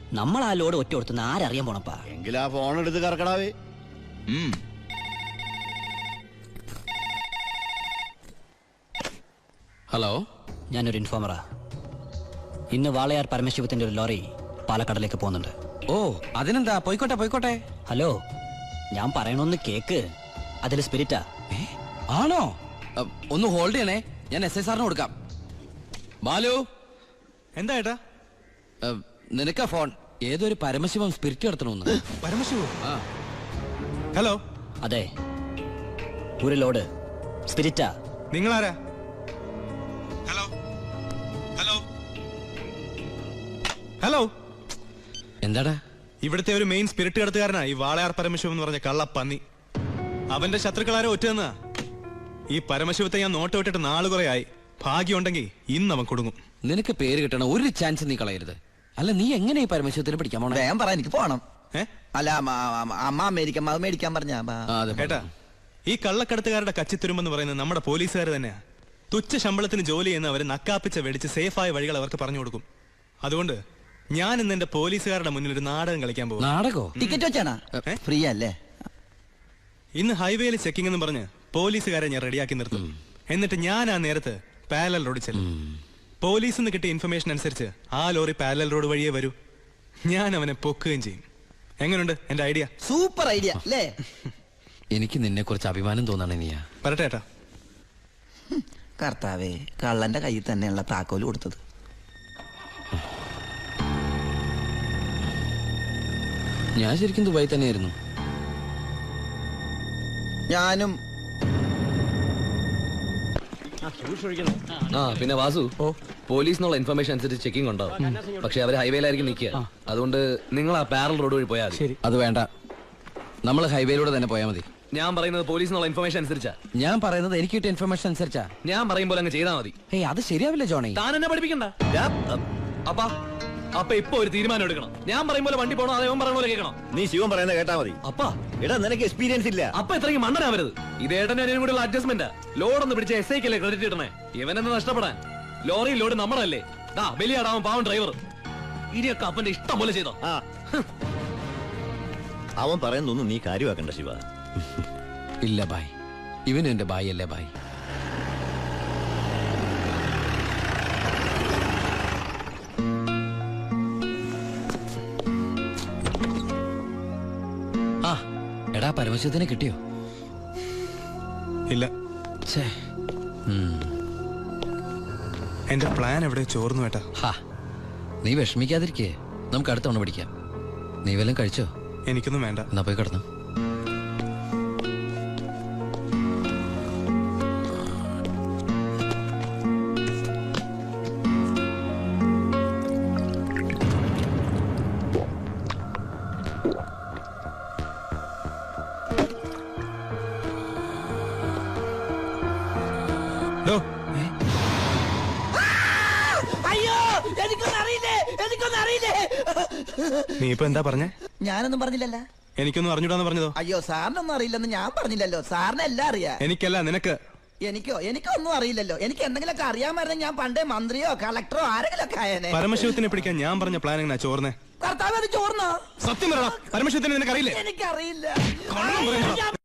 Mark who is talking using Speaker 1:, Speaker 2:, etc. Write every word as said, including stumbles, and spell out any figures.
Speaker 1: നമ്മൾ ആ ലോഡ് ഒറ്റ കൊടുത്തുന്ന ആരറിയാൻ പോണപ്പാ.
Speaker 2: എങ്കിൽ ആ ഫോൺ എടുത്ത് കറക്കടാവേ.
Speaker 3: ഹലോ,
Speaker 1: ഞാനൊരു ഇൻഫോമറാ. ഇന്ന് വാളയാർ പരമശിവത്തിന്റെ ഒരു ലോറി പാലക്കാടിലേക്ക് പോകുന്നുണ്ട്.
Speaker 3: ഓ അതിനെന്താ, പോയിക്കോട്ടെ പോയിക്കോട്ടെ.
Speaker 1: ഹലോ, ഞാൻ പറയണൊന്ന് കേക്ക്. അതിൽ സ്പിരിറ്റാ.
Speaker 3: ആണോ? ഒന്ന് ഹോൾഡ് ചെയ്യണേ, ഞാൻ എസ് ഐ സാറിന് കൊടുക്കാം. ബാലു,
Speaker 4: എന്താ ഏട്ടാ?
Speaker 3: നിനക്കാ ഫോൺ. ഏതൊരു പരമശിവം സ്പിരിറ്റ് നടത്തണമെന്ന്.
Speaker 4: പരമശിവോ?
Speaker 3: ആ
Speaker 4: ഹലോ.
Speaker 1: അതെ, ഒരു ലോഡ് സ്പിരിറ്റാ.
Speaker 4: നിങ്ങളാരാ? Hello hello hello.
Speaker 3: എന്താടാ?
Speaker 4: ഇവിടുത്തെ ഒരു മെയിൻ സ്പിരിറ്റ് കടത്തുകാരനാ ഈ വാളയാർ പരമശിവം എന്ന് പറഞ്ഞ കള്ളപ്പന്നി. അവന്റെ ശത്രുക്കളാരോ ഒറ്റന്നാ. ഈ പരമശിവത്തെ ഞാൻ നോട്ട് വിട്ടിട്ട് നാള് കുറെ ആയി. ഭാഗ്യമുണ്ടെങ്കിൽ ഇന്ന് അവൻ കൊടുങ്ങും.
Speaker 3: നിനക്ക് പേര് കിട്ടണ ഒരു ചാൻസ് നീ കളയരുത്. അല്ല, നീ എങ്ങനെ ഈ പരമശിവത്തിന് പിടിക്കാൻ പോണേ?
Speaker 5: വേഗം പറ, എനിക്ക് പോണം.
Speaker 4: ഏ
Speaker 5: അല്ല, അമ്മ അമേരിക്ക മേടിക്കാൻ പറഞ്ഞ
Speaker 4: കേട്ടാ, ഈ കള്ളക്കടത്തുകാരുടെ കച്ചിത്തുരുമ്പെന്ന് പറയുന്നത് നമ്മുടെ പോലീസുകാർ തന്നെയാ. തുച്ഛ ശമ്പളത്തിന് ജോലി ചെയ്യുന്ന അവര് നക്കാപ്പിച്ച വെടിച്ച് സേഫായ വഴികൾ അവർക്ക് പറഞ്ഞു കൊടുക്കും. അതുകൊണ്ട് ഞാൻ ഇന്ന് എന്റെ പോലീസുകാരുടെ മുന്നിൽ ഒരു നാടകം കളിക്കാൻ പോകും.
Speaker 3: നാടകോ?
Speaker 5: ടിക്കറ്റ് വെച്ചാണോ? ഫ്രീ അല്ലേ?
Speaker 4: ഇന്ന് ഹൈവേയിൽ ചെക്കിംഗ് എന്ന് പറഞ്ഞ് പോലീസുകാരെ ഞാൻ റെഡിയാക്കി നിർത്തും. എന്നിട്ട് ഞാൻ ആ നേരത്ത് പാരലൽ റോഡിൽ ചെല്ലും. പോലീസിൽ നിന്ന് കിട്ടിയ ഇൻഫർമേഷൻ അനുസരിച്ച് ആ ലോറി പാരലൽ റോഡ് വഴിയേ വരൂ. ഞാൻ അവനെ പൊക്കുകയും ചെയ്യും. എങ്ങനെയുണ്ട് എന്റെ ഐഡിയ?
Speaker 5: സൂപ്പർ ഐഡിയ അല്ലേ?
Speaker 3: എനിക്ക് നിന്നെ കുറിച്ച് അഭിമാനം തോന്നാണ്. നീയാ
Speaker 4: പറട്ടെ ഏട്ടാ.
Speaker 5: കർത്താവേ, കള്ളന്റെ കയ്യിൽ തന്നെയുള്ള താക്കോല് കൊടുത്തത്.
Speaker 3: ഞാൻ ശരിക്കും ദുബായി തന്നെയായിരുന്നു.
Speaker 5: ഞാനും.
Speaker 6: ആ പിന്നെ വാസു, പോലീസിനുള്ള ഇൻഫർമേഷൻ അനുസരിച്ച് ചെക്കിംഗ് ഉണ്ടാവും. പക്ഷെ അവര് ഹൈവേയിലായിരിക്കും നിൽക്കുക. അതുകൊണ്ട് നിങ്ങൾ ആ പാരൽ റോഡ് വഴി പോയാൽ മതി.
Speaker 3: അത് വേണ്ട, നമ്മൾ ഹൈവേയിലൂടെ തന്നെ പോയാൽ മതി.
Speaker 6: ഞാൻ പറയുന്നത് പോലീസിനുള്ള ഇൻഫർമേഷൻ അനുസരിച്ചാ.
Speaker 3: ഞാൻ പറയുന്നത് എനിക്ക് കിട്ടിയ ഇൻഫർമേഷൻ അനുസരിച്ചാ.
Speaker 6: ഞാൻ പറയുമ്പോൾ അങ്ങ് ചെയ്താൽ മതി.
Speaker 3: ഏയ്, അത് ശരിയാവില്ല ജോണി.
Speaker 6: താൻ എന്നെ പഠിപ്പിക്കണ്ട. അപ്പാ അപ്പൊ ഇപ്പൊ ഒരു തീരുമാനം എടുക്കണം. ഞാൻ പറയുമ്പോൾ വണ്ടി പോകണോ അതേ പറയണ പോലെ കേൾക്കണം.
Speaker 2: നീ ശിവൻ പറയുന്നത് കേട്ടാ മതി.
Speaker 6: അപ്പാ
Speaker 2: എടാ, നിനക്ക് എക്സ്പീരിയൻസ് ഇല്ല.
Speaker 6: അപ്പൊ ഇത്രയ്ക്ക് മണ്ടനാവരുത്. ഇത് ഏട്ടനും അനിയനും കൂടെയുള്ള അഡ്ജസ്റ്റ്മെന്റ്. ലോഡ് ഒന്ന് പിടിച്ച എസ് ഐക്കല്ലേ ക്രെഡിറ്റ് കിട്ടണേ. ഇവനെന്ന് നഷ്ടപ്പെടാൻ. ലോറി ലോഡ് നമ്മളല്ലേ. ദാ ബലിയാടാവും പാവൻ ഡ്രൈവർ. ഇനിയൊക്കെ അപ്പന്റെ ഇഷ്ടം പോലെ ചെയ്തോ.
Speaker 2: ആ, അവൻ പറയുന്നൊന്നും നീ കാര്യമാക്കണ്ട ശിവ.
Speaker 3: ഇല്ല ബായ്, ഇവനും എന്റെ ബായ് അല്ലേ ബായ്. ആ എടാ, പരമശിവത്തിനെ കിട്ടിയോ?
Speaker 4: ഇല്ല.
Speaker 3: ഛേ,
Speaker 4: എന്റെ പ്ലാൻ എവിടെ ചോർന്നു ഏട്ടാ.
Speaker 3: ഹാ, നീ വിഷമിക്കാതിരിക്കേ, നമുക്ക് അടുത്ത തവണ പിടിക്കാം. നീ വല്ലതും കഴിച്ചോ?
Speaker 4: എനിക്കൊന്നും വേണ്ട.
Speaker 3: എന്നാ പോയി കിടന്നു.
Speaker 5: അയ്യോ, എനിക്കൊന്നും അറിയില്ലേ, എനിക്കൊന്നും അറിയില്ലേ.
Speaker 4: നീ ഇപ്പൊ എന്താ പറഞ്ഞേ?
Speaker 5: ഞാനൊന്നും പറഞ്ഞില്ലല്ലോ.
Speaker 4: എനിക്കൊന്നും അറിഞ്ഞൂടാന്ന് പറഞ്ഞതോ?
Speaker 5: അയ്യോ, സാറിനൊന്നും അറിയില്ലെന്ന് ഞാൻ പറഞ്ഞില്ലല്ലോ. സാറിന് എല്ലാം അറിയാം.
Speaker 4: എനിക്കല്ല, നിനക്ക്.
Speaker 5: എനിക്കോ? എനിക്കൊന്നും അറിയില്ലല്ലോ. എനിക്ക് എന്തെങ്കിലുമൊക്കെ അറിയാമായിരുന്നെങ്കിൽ ഞാൻ പണ്ടേ മന്ത്രിയോ കളക്ടറോ ആരെങ്കിലും ഒക്കെ ആയേനെ.
Speaker 4: പരമശിവത്തിനെ പിടിക്കാൻ ഞാൻ പറഞ്ഞ പ്ലാൻ എങ്ങനെയാ ചോർന്നേ?
Speaker 5: കർത്താവ്, അത് ചോർന്നോ?
Speaker 4: സത്യം പറയണം, പരമശിവത്തിനെ നിനക്ക് അറിയില്ലേ?
Speaker 5: എനിക്കറിയില്ല.